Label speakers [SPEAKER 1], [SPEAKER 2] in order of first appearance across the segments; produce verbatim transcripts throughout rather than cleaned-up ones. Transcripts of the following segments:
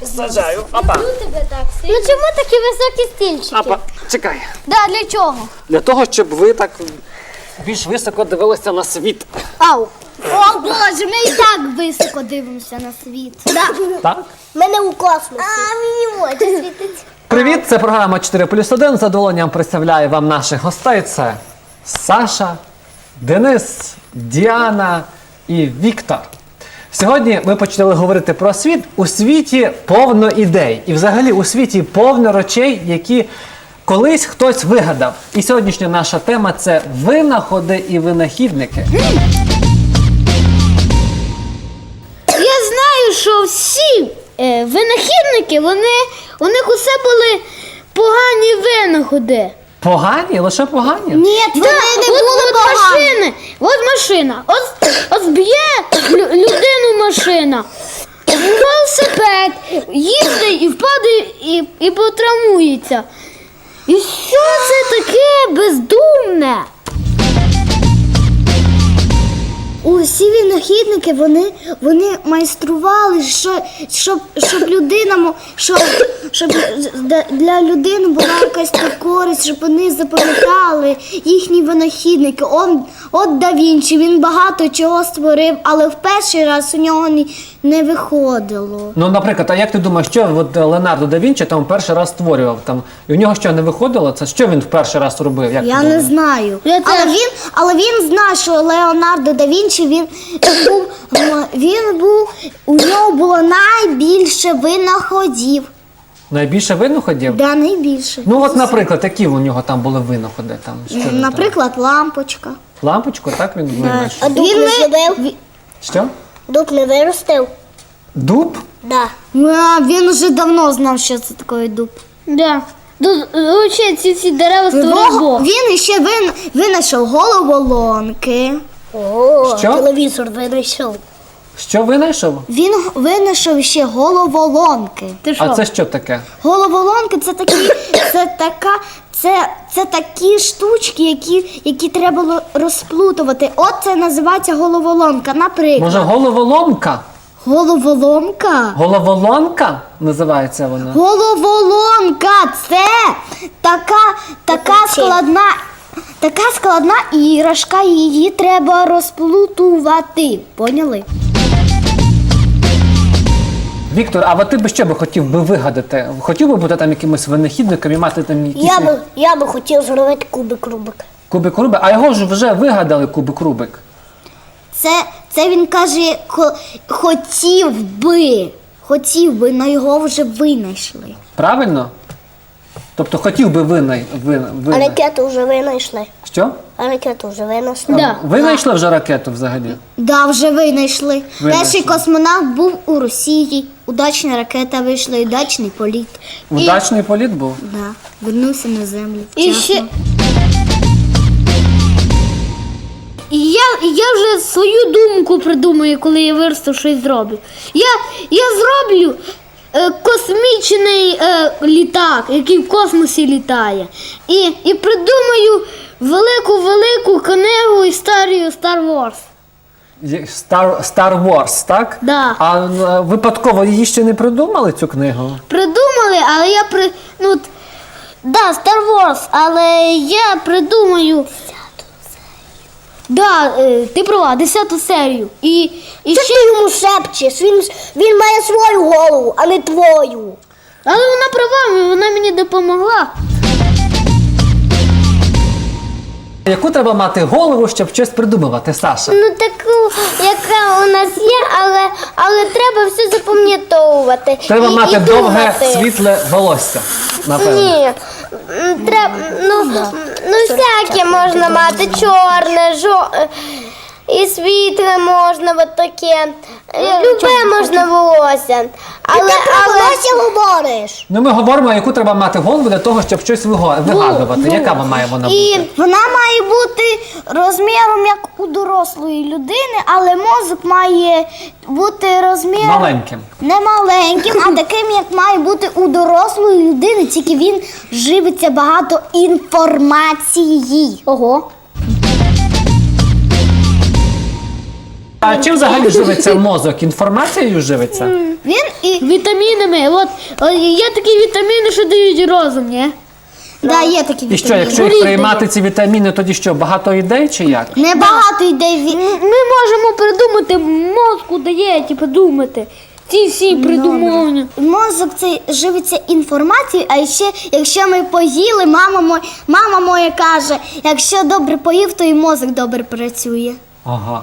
[SPEAKER 1] Сажаю. Опа.
[SPEAKER 2] Ну чому такі високі стільчики?
[SPEAKER 1] Опа. Чекай.
[SPEAKER 2] Да, для чого?
[SPEAKER 1] Для того, щоб ви так більш високо дивилися на світ.
[SPEAKER 2] Ау. О, Боже, ми і так високо дивимося на світ. Да.
[SPEAKER 1] Так?
[SPEAKER 2] Ми не у космосі. А, мені очі світить.
[SPEAKER 1] Привіт, це програма чотири плюс один. З задоволенням представляю вам наших гостей. Це Саша, Денис, Діана і Віктор. Сьогодні ми почали говорити про світ. У світі повно ідей. І взагалі у світі повно речей, які колись хтось вигадав. І сьогоднішня наша тема – це винаходи і винахідники.
[SPEAKER 2] Я знаю, що всі е, винахідники, вони, у них усе були погані винаходи.
[SPEAKER 1] Погані? Лише погані?
[SPEAKER 2] Ні, це да, не от, були от погані. Машини, от машина, от, от зб'є лю- людину машина, велосипед, їздить і впаде і, і потравмується. І що це таке бездумне? Усі винахідники, вони, вони майстрували, що, щоб, щоб людина, мо- щоб, щоб для людини була якась та користь, щоб вони запам'ятали їхні винахідники. Он, от Да Вінчі, він багато чого створив, але в перший раз у нього не, не виходило.
[SPEAKER 1] Ну, наприклад, а як ти думаєш, що от Леонардо да Вінчі там перший раз створював? Там, і у нього що, не виходило? Це що він в перший раз робив? Як
[SPEAKER 3] Я
[SPEAKER 1] ти
[SPEAKER 3] не
[SPEAKER 1] думаєш?
[SPEAKER 3] знаю.
[SPEAKER 2] Я
[SPEAKER 3] Але
[SPEAKER 2] теж.
[SPEAKER 3] він, але він знає, що Леонардо да Вінчі, він був, він був, у нього було найбільше винаходів.
[SPEAKER 1] Найбільше винаходів?
[SPEAKER 3] Да, найбільше.
[SPEAKER 1] Ну, от, наприклад, які у нього там були винаходи? Там, що він там?
[SPEAKER 3] Наприклад, лампочка.
[SPEAKER 1] Лампочку, так він винайшов?
[SPEAKER 3] Дуб не зробив?
[SPEAKER 1] Що?
[SPEAKER 3] Дуб не виростив?
[SPEAKER 1] Дуб?
[SPEAKER 3] Да. А, він вже давно знав, що це таке дуб.
[SPEAKER 2] Да. Тут взагалі ці всі дерева створив Бог.
[SPEAKER 3] Він ще вин, винайшов головоломки. О,
[SPEAKER 1] Що?
[SPEAKER 3] телевізор винайшов.
[SPEAKER 1] Що винайшов?
[SPEAKER 3] Він винайшов ще головоломки.
[SPEAKER 2] Ти що?
[SPEAKER 1] А це що таке?
[SPEAKER 3] Головоломки це такі, це така, це, це такі штучки, які, які треба було розплутувати. От це називається головоломка. Наприклад,
[SPEAKER 1] Може, головоломка?
[SPEAKER 3] головоломка.
[SPEAKER 1] Головоломка називається вона?
[SPEAKER 3] Головоломка це така, така складна, така складна іграшка, її треба розплутувати. Поняли?
[SPEAKER 1] Віктор, а от ти би що би хотів би вигадати? Хотів би бути там якимось винахідником і мати там якісь
[SPEAKER 3] Я би, я би хотів зробити кубик Рубик.
[SPEAKER 1] кубик Рубик? А його ж вже вигадали кубик Рубик.
[SPEAKER 3] Це, це він каже, хо- хотів би, хотів би, але його вже винайшли.
[SPEAKER 1] Правильно? Тобто хотів би винай... вин...
[SPEAKER 3] А
[SPEAKER 1] винай...
[SPEAKER 3] ракету вже винайшли.
[SPEAKER 1] Що?
[SPEAKER 3] А ракету вже винайшли.
[SPEAKER 2] Да.
[SPEAKER 1] Винайшли вже ракету взагалі?
[SPEAKER 3] Да, вже винайшли.
[SPEAKER 1] Винайшли.
[SPEAKER 3] Перший космонавт був у Росії. Удачна ракета вийшла, і удачний політ.
[SPEAKER 1] Удачний політ був?
[SPEAKER 3] Да, вернувся на землю.
[SPEAKER 2] І
[SPEAKER 3] вчасно.
[SPEAKER 2] ще... І я, і я вже свою думку придумаю, коли я виросту щось зроблю. Я, я зроблю е, космічний е, літак, який в космосі літає. І, і придумаю велику-велику книгу історію Star Wars.
[SPEAKER 1] Є- Star, Star Wars, так?
[SPEAKER 2] Да.
[SPEAKER 1] А е, випадково її ще не придумали, цю книгу?
[SPEAKER 2] Придумали, але я при... Ну, от, да, Star Wars, але я придумаю... Да, е, ти права, десяту серію. І, і ще...
[SPEAKER 3] ти йому шепчеш? Він, він має свою голову, а не твою.
[SPEAKER 2] Але вона права, вона мені допомогла.
[SPEAKER 1] Яку треба мати голову, щоб щось придумувати, Саша?
[SPEAKER 2] Ну таку, яка у нас є, але, але треба все запам'ятовувати.
[SPEAKER 1] Треба
[SPEAKER 2] і,
[SPEAKER 1] мати
[SPEAKER 2] і
[SPEAKER 1] довге,
[SPEAKER 2] думати.
[SPEAKER 1] світле волосся, напевно.
[SPEAKER 2] Ні, м, треба, ну, ну всяке можна мати, чорне, жо... і світле можна, от таке. Любе можна волосся. Але, але...
[SPEAKER 3] говориш?
[SPEAKER 1] Ну, ми говоримо, яку треба мати голову для того, щоб щось виго- вигадувати. Яка вона має вона бути?
[SPEAKER 2] І
[SPEAKER 3] Вона має бути розміром як у дорослої людини, але мозок має бути розміром
[SPEAKER 1] Маленьким.
[SPEAKER 3] не маленьким, а таким, як має бути у дорослої людини, тільки він живиться багато інформації.
[SPEAKER 2] Ого.
[SPEAKER 1] А чим взагалі живиться мозок? Інформацією живиться?
[SPEAKER 2] Він і
[SPEAKER 3] Вітамінами. От, от є такі вітаміни, що дають розум, ні?
[SPEAKER 2] да, є такі
[SPEAKER 1] І що,
[SPEAKER 2] вітаміни.
[SPEAKER 1] якщо їх приймати ці вітаміни, тоді що, багато ідей чи як?
[SPEAKER 2] Небагато йде від...
[SPEAKER 3] Ми можемо придумати, мозку дає, типу, думати. Ці всі придумування.
[SPEAKER 2] Мозок це живиться інформацією, а ще якщо ми поїли, мама моя, мама моя каже, якщо добре поїв, то і мозок добре працює.
[SPEAKER 1] Ага.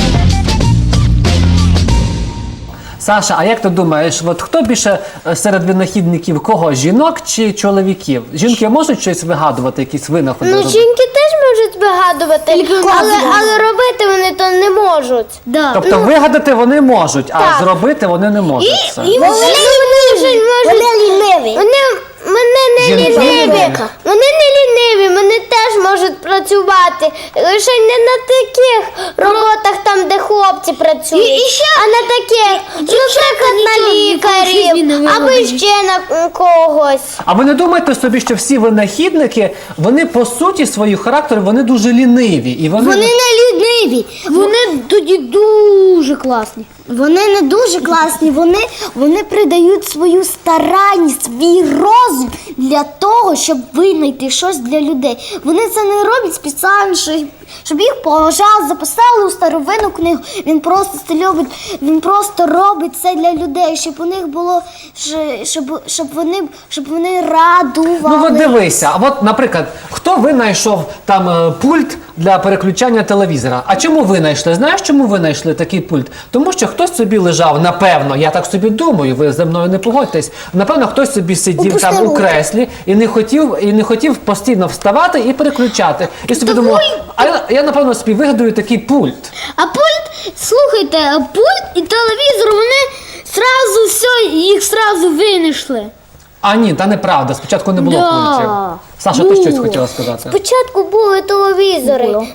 [SPEAKER 1] Саша, а як ти думаєш, от хто більше е, серед винахідників кого? Жінок чи чоловіків? Жінки можуть щось вигадувати, якісь винаходи
[SPEAKER 3] Ну,
[SPEAKER 1] робити?
[SPEAKER 3] жінки теж можуть вигадувати, але,
[SPEAKER 2] козла.
[SPEAKER 3] але робити вони то не можуть.
[SPEAKER 2] Да.
[SPEAKER 1] Тобто вигадати вони можуть, а
[SPEAKER 3] так.
[SPEAKER 1] зробити вони не можуть. це.
[SPEAKER 3] І вони, вони,
[SPEAKER 2] Вони ліниві.
[SPEAKER 3] Вони, вони не
[SPEAKER 1] Жінки?
[SPEAKER 3] ліниві. Вони не ліниві, вони теж можуть працювати. Лише не на таких роботах, там, де хлопці працюють,
[SPEAKER 2] І- і ще-
[SPEAKER 3] а на таких, наприклад, на лікарів або ще на когось.
[SPEAKER 1] А ви не думаєте собі, що всі винахідники, вони по суті свою характеру, вони дуже ліниві. І вони...
[SPEAKER 2] Вони не ліниві.
[SPEAKER 3] Вони тоді дуже класні.
[SPEAKER 2] Вони не дуже класні, вони, вони придають свою старанність, свій розум для того, щоб винайти щось для людей. Вони це не роблять спеціально, щоб, щоб їх поважали, записали у старовинну книгу. Він просто це любить, він просто робить це для людей, щоб у них було, щ- щоб, щоб, вони, щоб вони радували.
[SPEAKER 1] Ну от дивися, а от, наприклад, хто винайшов там е, пульт для переключання телевізора? А чому винайшли? Знаєш, чому винайшли такий пульт? Тому що хтось собі лежав, напевно, я так собі думаю, ви зі мною не погодьтесь. Напевно, хтось собі сидів там у креслі і не хотів, і не хотів постійно вставати і переключати. І собі думав, а я, я напевно собі вигадую такий пульт.
[SPEAKER 3] А пульт, слухайте, а пульт і телевізор, вони зразу все, їх зразу винайшли.
[SPEAKER 1] А ні, та неправда, спочатку не було
[SPEAKER 3] Да.
[SPEAKER 1] пультів. Саша, ти щось хотіла сказати?
[SPEAKER 3] Спочатку були телевізори.
[SPEAKER 2] Було.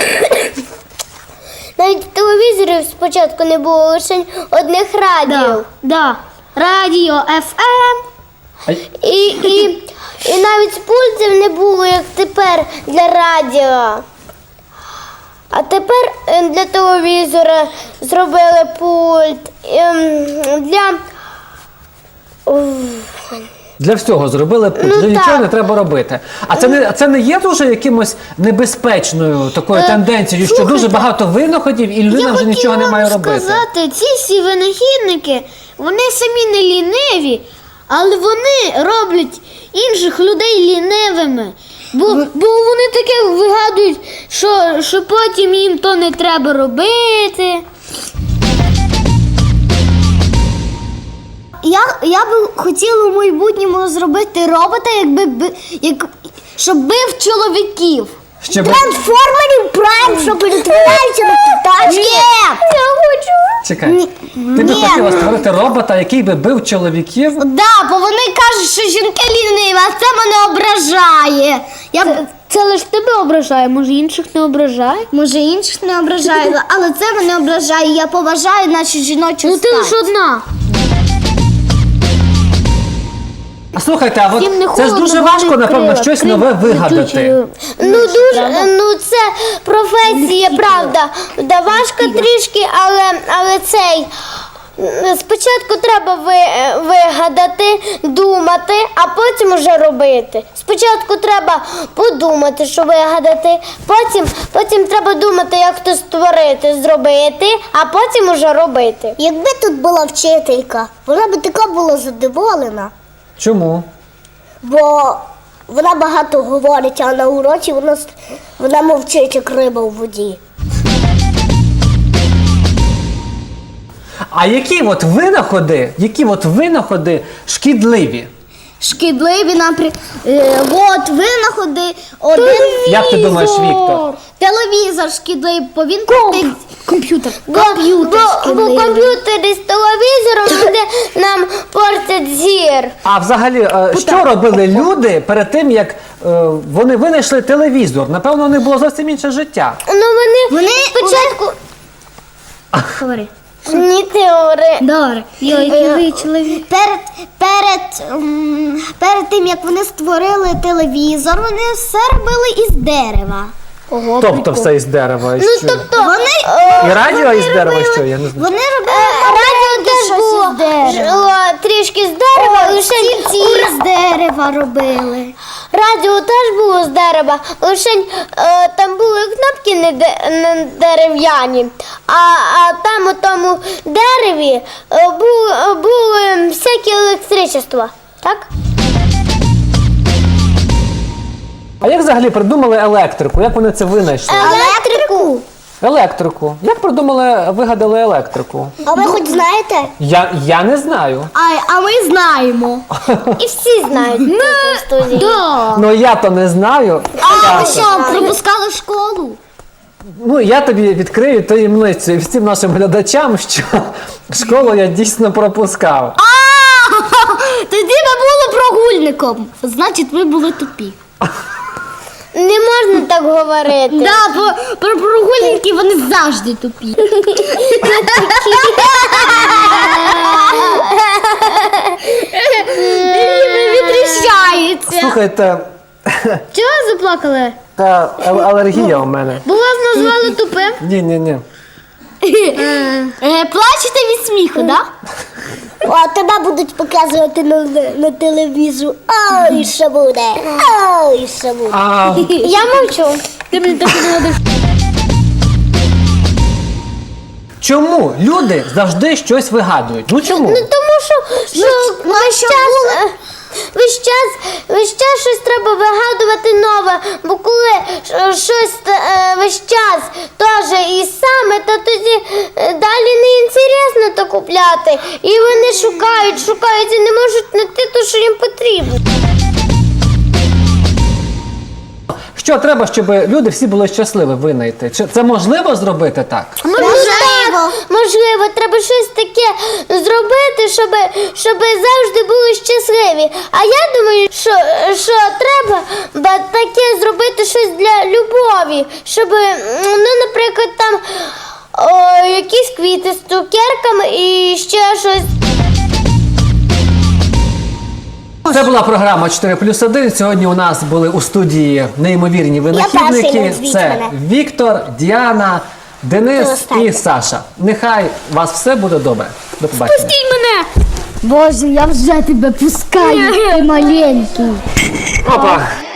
[SPEAKER 3] Навіть телевізорів спочатку не було, лише одних радіо.
[SPEAKER 2] Да. Радіо еф ем.
[SPEAKER 1] А-
[SPEAKER 3] І, і, і навіть пультів не було, як тепер для радіо. А тепер е, для телевізора зробили пульт. Ем, Для. Уф.
[SPEAKER 1] Для всього зробили пульт,
[SPEAKER 3] Ну,
[SPEAKER 1] вже нічого
[SPEAKER 3] так.
[SPEAKER 1] не треба робити. А це не, це не є дуже якимось небезпечною такою
[SPEAKER 3] Е,
[SPEAKER 1] тенденцією, що
[SPEAKER 3] слухайте,
[SPEAKER 1] дуже багато винаходів і людина вже нічого не має робити.
[SPEAKER 3] сказати, ці всі винахідники, вони самі не ліниві, але вони роблять інших людей лінивими. Бо, бо вони таке вигадують, що, що потім їм то не треба робити.
[SPEAKER 2] Я, я би хотіла в майбутньому зробити робота, якби би- як, щоб бив чоловіків.
[SPEAKER 1] Щоб...
[SPEAKER 2] Трансформерів Прайм, що перетворяється на пташки.
[SPEAKER 3] Я хочу.
[SPEAKER 1] Чекай, ти би
[SPEAKER 2] ні.
[SPEAKER 1] хотіла створити робота, який би бив чоловіків?
[SPEAKER 2] Да, бо вони кажуть, що жінки ліниві, а це мене ображає. Я б-
[SPEAKER 3] Це лише тебе ображає, може інших не ображає?
[SPEAKER 2] може інших не ображає, але це мене ображає. Я поважаю нашу жіночу
[SPEAKER 3] Ну ти
[SPEAKER 2] стать.
[SPEAKER 3] лише одна.
[SPEAKER 1] А слухайте, а
[SPEAKER 3] Їм не
[SPEAKER 1] от це ж
[SPEAKER 3] холодно,
[SPEAKER 1] дуже
[SPEAKER 3] вони
[SPEAKER 1] важко, напевно,
[SPEAKER 3] крила,
[SPEAKER 1] щось
[SPEAKER 3] крила
[SPEAKER 1] нове вигадати.
[SPEAKER 3] летючі. Ну дуже, ну це професія, правда. Да, важко трішки, але, але цей. м, Спочатку треба ви, вигадати, думати, а потім уже робити. Спочатку треба подумати, що вигадати, потім, потім треба думати, як то створити, зробити, а потім уже робити.
[SPEAKER 2] Якби тут була вчителька, вона би така була задоволена.
[SPEAKER 1] Чому?
[SPEAKER 2] Бо вона багато говорить, а на уроці вона, с- вона мовчить, як риба у воді.
[SPEAKER 1] А які от винаходи, які от винаходи шкідливі?
[SPEAKER 2] Шкідливі, наприклад, е, от винаходи, один
[SPEAKER 1] Як ти думаєш, Віктор?
[SPEAKER 2] телевізор шкідливий, бо він крутить.
[SPEAKER 3] Комп'ютер.
[SPEAKER 2] Комп'ютер
[SPEAKER 3] Бо, бо
[SPEAKER 2] шкідливий.
[SPEAKER 3] комп'ютери з телевізором буде нам портять зір.
[SPEAKER 1] А взагалі, е, що робили люди перед тим, як е, вони винайшли телевізор? Напевно, у них було зовсім інше життя.
[SPEAKER 3] Ну вони,
[SPEAKER 2] Вони-
[SPEAKER 3] спочатку.
[SPEAKER 2] Говори.
[SPEAKER 3] Ні, теори.
[SPEAKER 2] Добре.
[SPEAKER 3] Який чоловік.
[SPEAKER 2] Перед, перед, м, перед тим, як вони створили телевізор, вони все робили із дерева. Ого,
[SPEAKER 1] Тобто
[SPEAKER 2] прикол.
[SPEAKER 1] все із дерева. І
[SPEAKER 3] Ну,
[SPEAKER 1] що?
[SPEAKER 3] тобто,
[SPEAKER 2] Вони,
[SPEAKER 1] І радіо із дерева,
[SPEAKER 2] робили-
[SPEAKER 1] що я не знаю.
[SPEAKER 2] Вони
[SPEAKER 3] е,
[SPEAKER 2] робили
[SPEAKER 3] радіо теж
[SPEAKER 2] щось
[SPEAKER 3] було
[SPEAKER 2] із дерева.
[SPEAKER 3] жило трішки з дерева, лише
[SPEAKER 2] Стільці з дерева робили.
[SPEAKER 3] радіо теж було з дерева, лише е, там були кнопки не, де- не дерев'яні, а, а там у тому дереві е, були, були всякі електричества. Так?
[SPEAKER 1] А як взагалі придумали електрику? Як вони це винайшли?
[SPEAKER 2] Електрику.
[SPEAKER 1] Електрику. Як придумали, вигадали електрику?
[SPEAKER 2] А ви хоч знаєте?
[SPEAKER 1] Я, я не знаю.
[SPEAKER 2] А, а ми знаємо.
[SPEAKER 3] І всі знають тут у студії.
[SPEAKER 2] Да.
[SPEAKER 1] Ну я то не знаю.
[SPEAKER 2] А
[SPEAKER 1] Я
[SPEAKER 2] ви
[SPEAKER 1] то-
[SPEAKER 2] що, пропускали школу?
[SPEAKER 1] Ну я тобі відкрию таємницю і всім нашим глядачам, що школу я дійсно пропускав.
[SPEAKER 2] А, тоді ми були прогульником. Значить, ви були тупі.
[SPEAKER 3] Не можна так говорити.
[SPEAKER 2] Да, бо про прогульники вони завжди тупі. Відріщаються.
[SPEAKER 1] Слухайте,
[SPEAKER 2] Чого заплакали?
[SPEAKER 1] та ал- алергія у мене.
[SPEAKER 2] Бо вас назвали тупим?
[SPEAKER 1] Ні, ні, ні.
[SPEAKER 2] Е, Плачете від сміху, так?
[SPEAKER 4] А тебе будуть показувати на, на телевізору. Ой, що буде? Ой, що буде?
[SPEAKER 1] А
[SPEAKER 3] Я мовчу.
[SPEAKER 2] Ти мені так не говориш.
[SPEAKER 1] чому люди завжди щось вигадують? Ну чому?
[SPEAKER 3] Ну тому що, що весь час, е, весь час, весь час щось треба вигадувати нове, бо коли е, щось е, весь час теж і саме, то тоді е, далі не інтересно то купляти. І вони шукають, шукають і не можуть знайти те, що їм потрібно.
[SPEAKER 1] Що треба, щоб люди всі були щасливі винайти? Чи це можливо зробити так?
[SPEAKER 3] Можливо, так, можливо, треба щось таке зробити, щоб, щоб завжди були щасливі. А я думаю, що, що треба ба, таке зробити щось для любові, щоб, м, ну, наприклад, там о, якісь квіти з цукерками і ще щось.
[SPEAKER 1] Це була програма чотири плюс один. Сьогодні у нас були у студії неймовірні
[SPEAKER 4] перший,
[SPEAKER 1] винахідники.
[SPEAKER 4] назвіть
[SPEAKER 1] Це
[SPEAKER 4] мене.
[SPEAKER 1] Віктор, Діана, Денис
[SPEAKER 4] Останнє.
[SPEAKER 1] і Саша. Нехай у вас все буде добре. До побачення.
[SPEAKER 2] Пустіть мене!
[SPEAKER 4] Боже, я вже тебе пускаю, ти маленький.
[SPEAKER 1] Опа!